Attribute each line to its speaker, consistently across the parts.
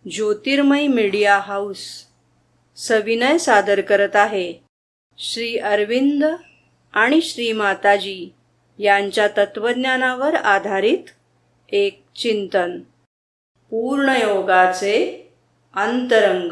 Speaker 1: ज्योतिर्मय media house सविनय सादर करत आहे श्री अरविंद आणि श्री माताजी यांच्या तत्वज्ञानावर आधारित एक चिंतन. पूर्णयोगाचे अंतरंग.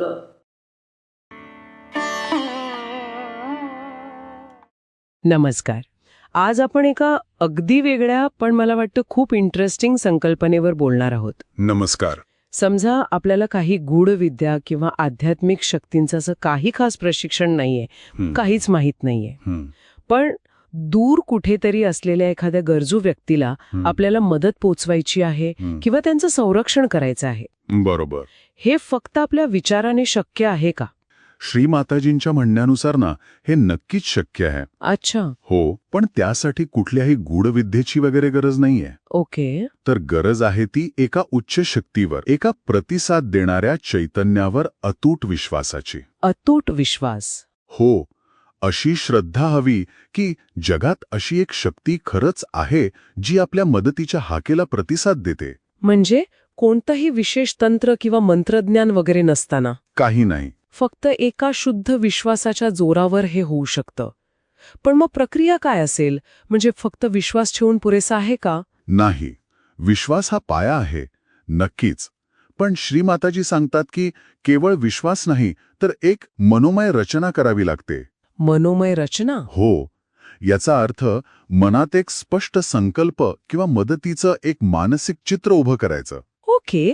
Speaker 2: नमस्कार. आज आपण एका अगदी वेगळ्या पण मला वाटतं खूप इंटरेस्टिंग संकल्पनेवर बोलणार आहोत.
Speaker 3: नमस्कार.
Speaker 2: समजा आपल्याला काही गूढ विद्या किंवा आध्यात्मिक शक्तींचं असं काही खास प्रशिक्षण नाहीये, काहीच माहीत नाहीये, पण दूर कुठेतरी असलेल्या एखाद्या गरजू व्यक्तीला आपल्याला मदत पोचवायची आहे किंवा त्यांचं संरक्षण करायचं आहे.
Speaker 3: बरोबर.
Speaker 2: हे फक्त आपल्या विचाराने शक्य आहे का?
Speaker 3: श्री माताजींच्या म्हणण्यानुसार ना हे नक्कीच शक्य आहे.
Speaker 2: अच्छा.
Speaker 3: हो, पण त्यासाठी कुठल्याही गूढविद्येची वगैरे गरज नाहीये.
Speaker 2: ओके.
Speaker 3: तर गरज आहे ती एका उच्च शक्तीवर, एका प्रतिसाद देणाऱ्या चैतन्यावर अतूट विश्वासाची.
Speaker 2: अतूट विश्वास.
Speaker 3: हो, अशी श्रद्धा हवी की जगात अशी एक शक्ती खरंच आहे जी आपल्या मदतीच्या हाकेला प्रतिसाद देते.
Speaker 2: म्हणजे कोणतंही विशेष तंत्र किंवा मंत्रज्ञान वगैरे नसताना?
Speaker 3: काही नाही.
Speaker 2: फक्त एका शुद्ध विश्वासाच्या जोरावर हे होऊ शकतं. पण मग प्रक्रिया काय असेल? म्हणजे फक्त विश्वास ठेवून पुरेसा आहे का?
Speaker 3: नाही. विश्वास हा पाया आहे, नक्कीच. पण श्रीमाताजी सांगतात की केवळ विश्वास नाही तर एक मनोमय रचना करावी लागते.
Speaker 2: मनोमय रचना?
Speaker 3: हो. याचा अर्थ मनात एक स्पष्ट संकल्प किंवा मदतीचं एक मानसिक चित्र उभं करायचं.
Speaker 2: ओके.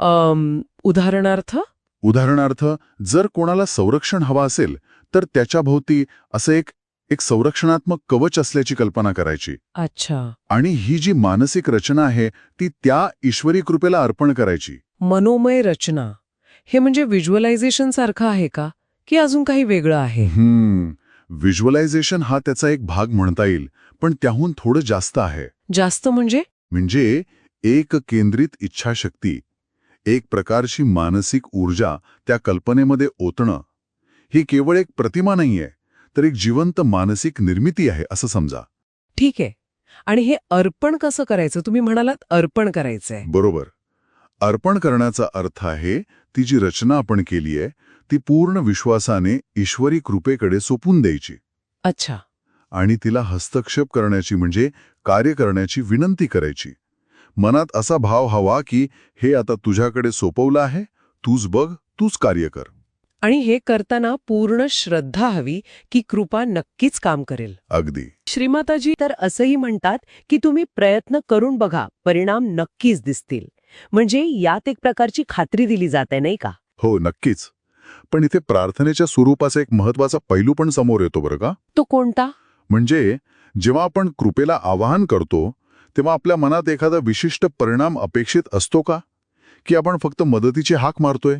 Speaker 2: उदाहरणार्थ
Speaker 3: जर कोणाला संरक्षण हवं असेल तर त्याच्याभोवती असं एक संरक्षणात्मक कवच असल्याची कल्पना करायची.
Speaker 2: अच्छा.
Speaker 3: आणि ही जी मानसिक रचना आहे ती त्या ईश्वरी कृपेला अर्पण करायची.
Speaker 2: मनोमय रचना हे म्हणजे व्हिज्युअलायझेशन सारखं आहे का, की अजून काही वेगळं आहे?
Speaker 3: व्हिज्युअलायझेशन हा त्याचा एक भाग म्हणता येईल, पण त्याहून थोडं जास्त आहे.
Speaker 2: जास्त म्हणजे
Speaker 3: एक केंद्रित इच्छाशक्ती, एक प्रकारची मानसिक ऊर्जा त्या कल्पनेमध्ये ओतणं. ही केवळ एक प्रतिमा नाहीये, तर एक जिवंत मानसिक निर्मिती आहे असं समजा.
Speaker 2: ठीक आहे. आणि हे अर्पण कसं करायचं? तुम्ही म्हणालात अर्पण करायचंय.
Speaker 3: बरोबर. अर्पण करण्याचा अर्थ आहे ती जी रचना आपण केली आहे ती पूर्ण विश्वासाने ईश्वरी कृपेकडे सोपून द्यायची.
Speaker 2: अच्छा.
Speaker 3: आणि तिला हस्तक्षेप करण्याची म्हणजे कार्य करण्याची विनंती करायची. मनात असा भाव हवा की हे आता तुझ्याकडे सोपवलं आहे, तूच बघ, तूच कार्य कर.
Speaker 2: आणि हे करताना पूर्ण श्रद्धा हवी की कृपा नक्कीच काम करेल.
Speaker 3: अगदी.
Speaker 2: श्रीमाताजी तर असंही म्हणतात की तुम्ही प्रयत्न करून बघा, परिणाम नक्कीच दिसतील. म्हणजे यात एक प्रकारची खात्री दिली जाते, नाही का?
Speaker 3: हो, नक्कीच. पण इथे प्रार्थनेच्या स्वरूपाचा एक महत्वाचा पैलू पण समोर येतो बरं का.
Speaker 2: तो कोणता?
Speaker 3: म्हणजे जेव्हा आपण कृपेला आवाहन करतो तेव्हा आपल्या मनात एखादा विशिष्ट परिणाम अपेक्षित असतो का, की आपण फक्त मदतीची हाक मारतोय?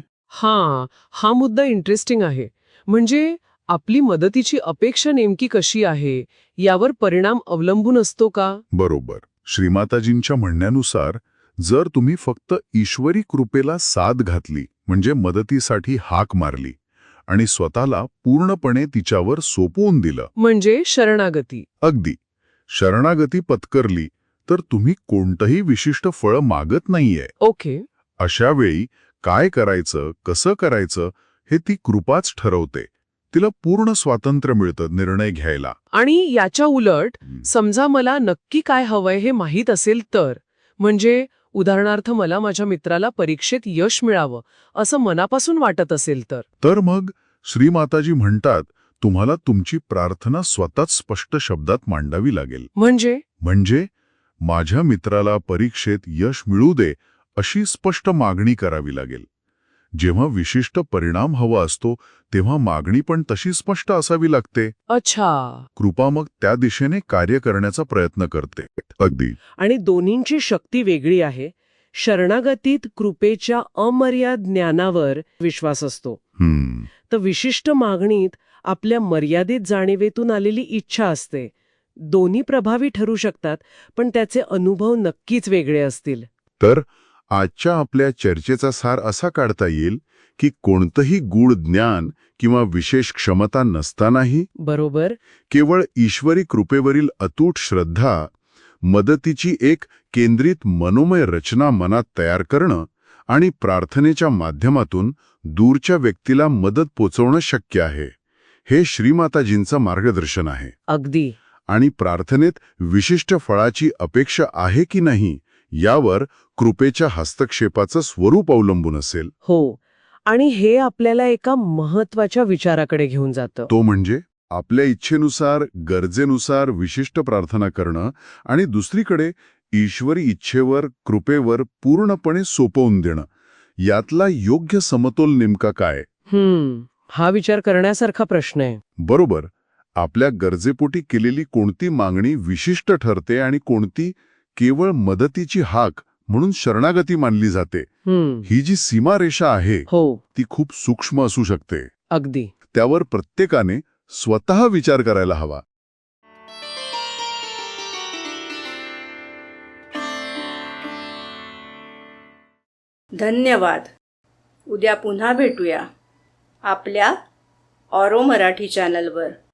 Speaker 2: हा मुद्दा इंटरेस्टिंग आहे. म्हणजे आपली मदतीची अपेक्षा नेमकी कशी आहे यावर परिणाम अवलंबून असतो का?
Speaker 3: बरोबर. श्रीमाताजींच्या म्हणण्यानुसार जर तुम्ही फक्त ईश्वरी कृपेला साथ घातली, म्हणजे मदतीसाठी हाक मारली आणि स्वतःला पूर्णपणे तिच्यावर सोपवून दिलं, म्हणजे
Speaker 2: शरणागती.
Speaker 3: अगदी शरणागती पत्करली, तर तुम्ही कोणतंही विशिष्ट फळ मागत नाहीये.
Speaker 2: ओके.
Speaker 3: अशा वेळी काय करायचं, कसं करायचं हे ती कृपाच ठरवते. तिला पूर्ण स्वातंत्र्य मिळतं निर्णय घ्यायला.
Speaker 2: आणि याच्या उलट समजा मला नक्की काय हवंय हे माहीत असेल तर, म्हणजे उदाहरणार्थ मला माझ्या मित्राला परीक्षेत यश मिळावं असं मनापासून वाटत असेल तर
Speaker 3: मग श्रीमाताजी म्हणतात तुम्हाला तुमची प्रार्थना स्वतःच स्पष्ट शब्दात मांडावी लागेल. म्हणजे माझ्या मित्राला परीक्षेत यश मिळू दे अशी स्पष्ट मागणी करावी लागेल. जेव्हा विशिष्ट परिणाम हवा असतो तेव्हा मागणी पण तशी स्पष्ट असावी लागते.
Speaker 2: अच्छा.
Speaker 3: कृपा मग त्या दिशेने कार्य करण्याचा प्रयत्न करते. अगदी.
Speaker 2: आणि दोन्हींची शक्ती वेगळी आहे. शरणागतीत कृपेच्या अमर्याद ज्ञानावर विश्वास असतो, तर विशिष्ट मागणीत आपल्या मर्यादित जाणीवेतून आलेली इच्छा असते. दोन्ही प्रभावी ठरू शकतात, पण त्याचे अनुभव नक्कीच वेगळे असतील.
Speaker 3: तर आजच्या आपल्या चर्चेचा सार असा काढता येईल की कोणतंही गूढ ज्ञान किंवा विशेष क्षमता नसतानाही
Speaker 2: बरोबर
Speaker 3: केवळ ईश्वरी कृपेवरील अतूट श्रद्धा, मदतीची एक केंद्रित मनोमय रचना मनात तयार करणं आणि प्रार्थनेच्या माध्यमातून दूरच्या व्यक्तीला मदत पोचवणं शक्य आहे. हे श्रीमाताजींचं मार्गदर्शन आहे.
Speaker 2: अगदी.
Speaker 3: आणि प्रार्थनेत विशिष्ट फळाची अपेक्षा आहे की नाही यावर कृपेच्या हस्तक्षेपाचं स्वरूप अवलंबून असेल.
Speaker 2: हो. आणि हे आपल्याला एका महत्वाच्या विचाराकडे घेऊन जातं.
Speaker 3: तो म्हणजे आपल्या इच्छेनुसार, गरजेनुसार विशिष्ट प्रार्थना करणं आणि दुसरीकडे ईश्वरी इच्छेवर, कृपेवर पूर्णपणे सोपवून देणं. यातला योग्य समतोल नेमका काय?
Speaker 2: हा विचार करण्यासारखा प्रश्न आहे.
Speaker 3: बरोबर. आपल्या गरजेपोटी केलेली कोणती मागणी विशिष्ट ठरते आणि कोणती केवळ मदतीची हाक म्हणून शरणागती मानली जाते. ही जी सीमारेषा आहे
Speaker 2: हो,
Speaker 3: ती खूप सूक्ष्म असू शकते.
Speaker 2: अगदी.
Speaker 3: त्यावर प्रत्येकाने स्वतः विचार करायला हवा.
Speaker 1: धन्यवाद. उद्या पुन्हा भेटूया आपल्या ऑरो मराठी चॅनलवर.